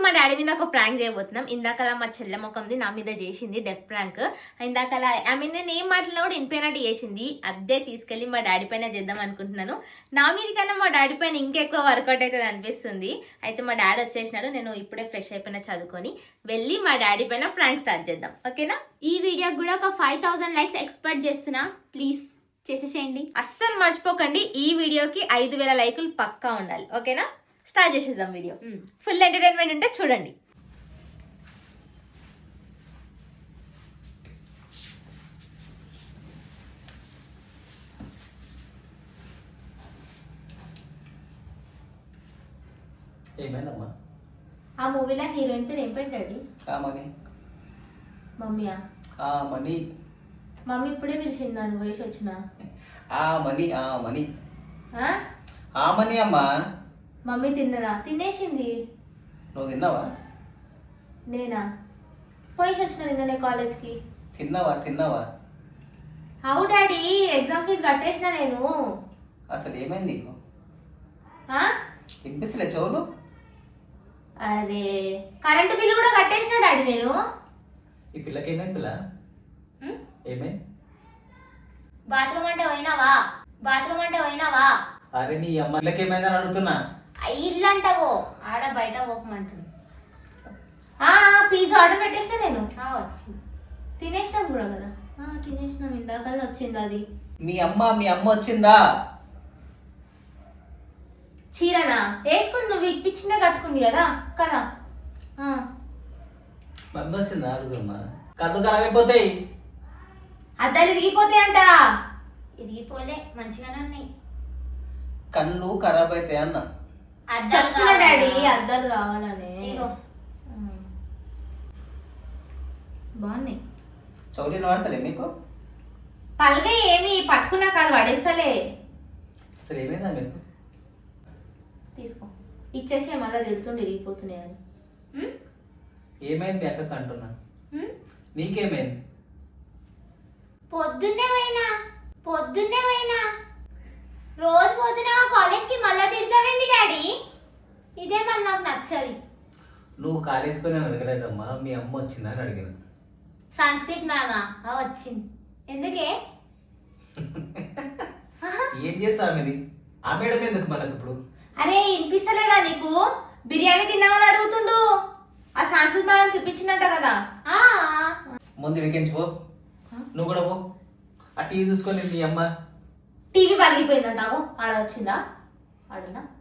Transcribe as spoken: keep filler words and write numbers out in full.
మా డాడీ మీద ఒక ప్రాంక్ చేయబోతున్నాం. ఇందాకలా మా చెల్లె ముఖంది నా మీద చేసింది డెఫ్ ప్రాంక్. ఇందాకలా ఐ మీన్ నేను ఏం మాట్లాడినా కూడా వినిపోయినట్టు చేసింది. అదే తీసుకెళ్లి మా డాడీ పైన చేద్దాం అనుకుంటున్నాను. నా మీద కన్నా మా డాడీ పైన ఇంకెక్కువ వర్కౌట్ అవుతుంది అనిపిస్తుంది. అయితే మా డాడీ వచ్చేసినాడు. నేను ఇప్పుడే ఫ్రెష్ అయిపోయినా చదువుకొని వెళ్ళి మా డాడీ పైన ప్రాంక్ స్టార్ట్ చేద్దాం. ఓకేనా? ఈ వీడియోకి కూడా ఒక ఫైవ్ థౌసండ్ లైక్స్ ఎక్స్పెక్ట్ చేస్తున్నా. ప్లీజ్ చేసేసేయండి. అస్సలు మర్చిపోకండి, ఈ వీడియోకి ఐదు వేల లైకులు పక్కా ఉండాలి. ఓకేనా? స్టార్ట్ చేసేద్దాం వీడియో. ఫుల్ ఎంటర్టైన్మెంట్ ఉంటే చూడండి. ఏమైందమ్మా? ఆ మూవీలో హీరోయిన్ పేరు ఏం పెట్టాడు? మనీ. మమ్మీయా? మనీ. మమ్మీ ఇప్పుడే పిలిచింది నన్ను వయసు వచ్చిన. ఆ మనీ ఆ మనీ ఆ? ఆ మనీ అమ్మా. మమ్మీ తిన్నదా? తినేసింది. నువ్వు తిన్నావా? నేనా? పోయి వచ్చిన నిన్ననే కాలేజ్కి. తిన్నావా తిన్నావా? అవు డాడీ, ఎగ్జామ్ ఫీజు కట్టేసిన నేను. అసలు ఏమైంది నీకు? ఆ? వినిపిస్తలే చెవులు? అదే కరెంటు బిల్లు కూడా కట్టేసిన డాడీ నేను. ఈ పిల్లకి ఏమైంది పిల్ల? ఏమైంది? బాత్రూమ్ అంటే పోయినావా? బాత్రూమ్ అంటే పోయినావా? అరే నీ అమ్మ పిల్లకి ఏమైందని అడుగుతున్నా. ఇల్లు అంటావు, ఆడ బయట పోకమంటాడు. పిజ్జా ఆర్డర్ పెట్టేసిన నేను. వచ్చింది. తినేసినాం కూడా కదా. తినేసినాం, ఇందాకనే వచ్చింది అది. మీ అమ్మ మీ అమ్మ వచ్చిందా? చీరనా వేసుకుంది, నువ్వు ఇప్పించిందే కట్టుకుంది కదా కదా. మమ్మీ వచ్చిందా అడుగుమ్మా. కళ్ళు ఖరాబ్ అయిపోతాయి. అద్దాలు ఇరిగిపోతాయి అంట. ఇరిగిపోలే, మంచిగానే ఉన్నాయి. కళ్ళు ఖరాబ్ అవుతాయి అన్న. చెప్తున్నా డాడీ, అద్దాలు కావాలని. బాగున్నాయి. చౌలీలు వాడతలే మీకు? పల్గా ఏమి పట్టుకున్నా కాదు పడేస్తలే. అసలు ఏమైందా మీకు? తీసుకో, ఇచ్చేసి మళ్ళీ తిడుతుండే ఇరిగిపోతున్నాయి అని. ఏమైంది మీ అక్కకి అంటున్నా. నీకేమైంది? పొద్దున్నే పోయినా పొద్దున్నే పోయినా రోజు పోతున్నావా కాలేజ్కి? మళ్ళా తిడతావేంది డాడీ? ఇదే మళ్ళీ నాకు నచ్చది. నువ్వు కాలేజ్కి నేను అడగలేదమ్మా, మీ అమ్మ వచ్చిందా అని అడిగిన. సంస్కృత్ మ్యామా వచ్చింది. ఎందుకే? ఏం చేస్తా ఆమెది? ఆ మేడం ఎందుకు మనకు ఇప్పుడు? అరే వినిపిస్తలేదా నీకు? బిర్యానీ తిన్నామని అడుగుతుండు. ఆ సంస్కృత్ మేడం పిలిపించిందంట కదా. ముందు ఇడికించి పో. నువ్వు కూడా పో. ఆ టీవీ చూసుకొని మీ అమ్మ. టీవీ పలిగిపోయిందంటావు. ఆడ వచ్చిందా? ఆడుందా?